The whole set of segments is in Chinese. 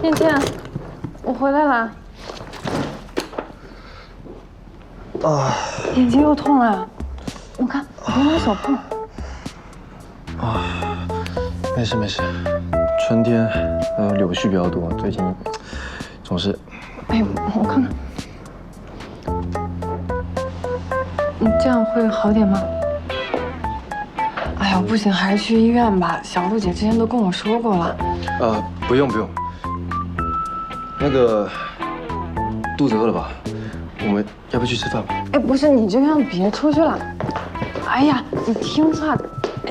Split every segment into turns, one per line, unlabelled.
燕倩，我回来了。
啊，
眼睛又痛了，我看别拿手碰。
啊，没事没事，春天柳絮比较多，最近总是……
哎，我看看，你这样会好点吗？哎呀，不行，还是去医院吧。小璐姐之前都跟我说过了。
不用不用。那个，肚子饿了吧？我们要不要去吃饭吧？
哎，不是，你这样别出去了。哎呀，你听话。哎，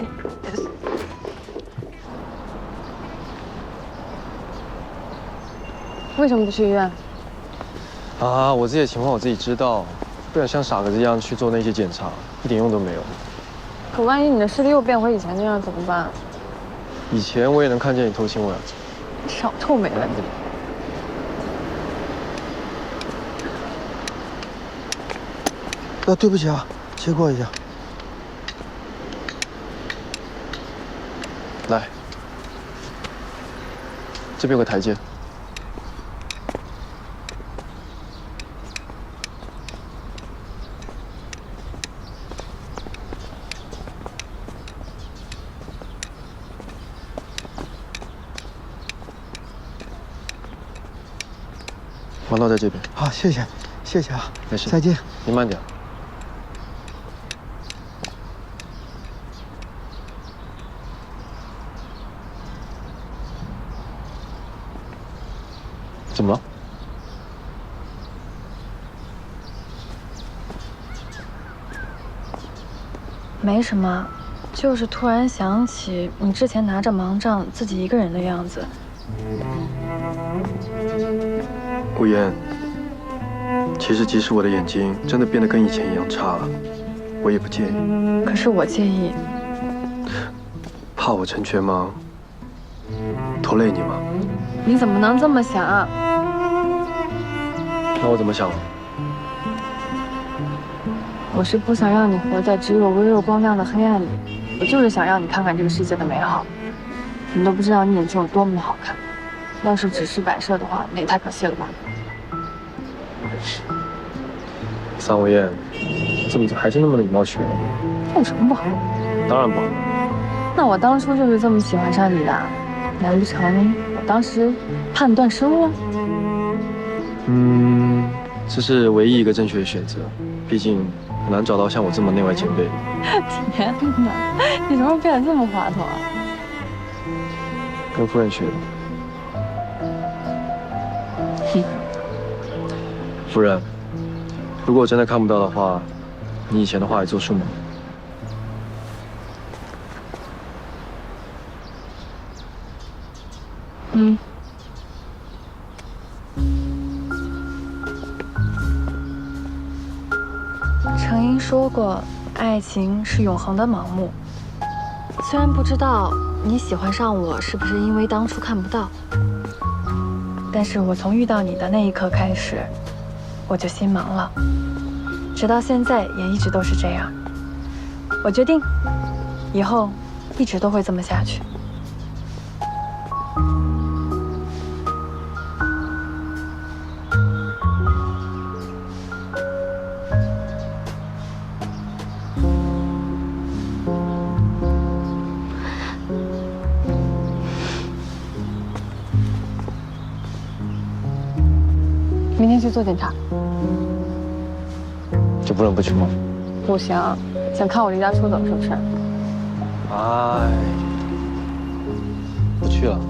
为什么不去医院？
啊，我自己的情况我自己知道，不想像傻子一样去做那些检查，一点用都没有。
可万一你的视力又变回以前那样怎么办？
以前我也能看见你偷亲我呀。
少臭美了你！
对不起啊，切过一下。
来，这边有个台阶。王道在这边。
好，谢谢啊，
没事，
再见。
你慢点。怎么了？
没什么，就是突然想起你之前拿着盲杖自己一个人的样子。
顾言，其实即使我的眼睛真的变得跟以前一样差了，我也不介意。
可是我介意。
怕我成全吗？拖累你吗？
你怎么能这么想啊？
那我怎么想？
我是不想让你活在只有微弱光亮的黑暗里，我就是想让你看看这个世界的美好。你都不知道你眼睛有多么好看，要是只是摆设的话，那也太可惜了吧。
桑无厌，怎么还是那么礼貌学？
这有什么不好？
当然不好。
那我当初就是这么喜欢上你的，难不成我当时判断失误了？
这是唯一一个正确的选择，毕竟很难找到像我这么内外兼备的。
天哪，你什么时候变得这么滑头啊？
跟夫人学的。夫人，如果我真的看不到的话，你以前的话还作数吗？
程英说过，爱情是永恒的盲目。虽然不知道你喜欢上我是不是因为当初看不到，但是我从遇到你的那一刻开始，我就心盲了，直到现在也一直都是这样。我决定，以后一直都会这么下去。明天去做检查，
就不能不去吗？
不行，想看我离家出走是不是？
哎，不去了。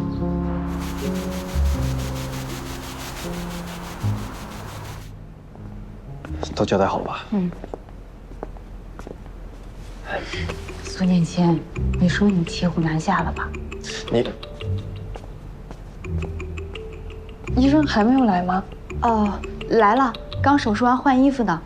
都交代好了吧？
孙念谦，你说你骑虎难下了吧？
医生还没有来吗？
哦，来了，刚手术完换衣服呢。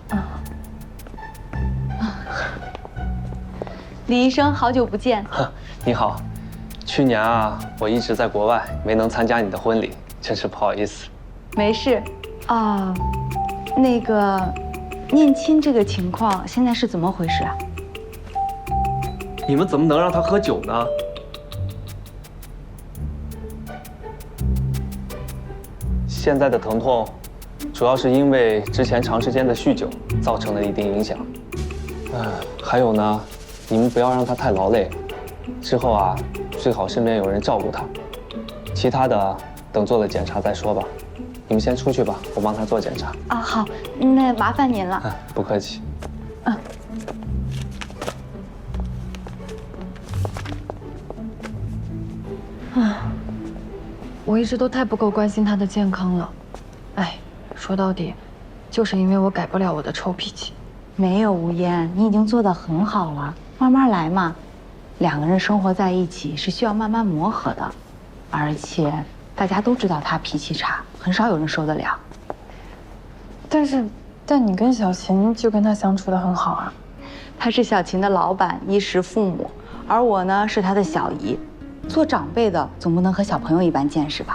李医生，好久不见。
你好，去年啊，我一直在国外，没能参加你的婚礼，真是不好意思。
没事。啊，那个，念亲这个情况现在是怎么回事啊？
你们怎么能让他喝酒呢？ 现在的疼痛，主要是因为之前长时间的酗酒造成了一定影响。还有呢，你们不要让他太劳累，之后啊，最好身边有人照顾他。其他的等做了检查再说吧。你们先出去吧，我帮他做检查。
啊，好，那麻烦您了。
不客气。
我一直都太不够关心他的健康了。哎，说到底，就是因为我改不了我的臭脾气。
没有吴嫣，你已经做得很好了，慢慢来嘛。两个人生活在一起是需要慢慢磨合的，而且大家都知道他脾气差，很少有人受得了。
但你跟小琴就跟他相处得很好啊。
他是小琴的老板，衣食父母，而我呢是他的小姨。做长辈的总不能和小朋友一般见识吧？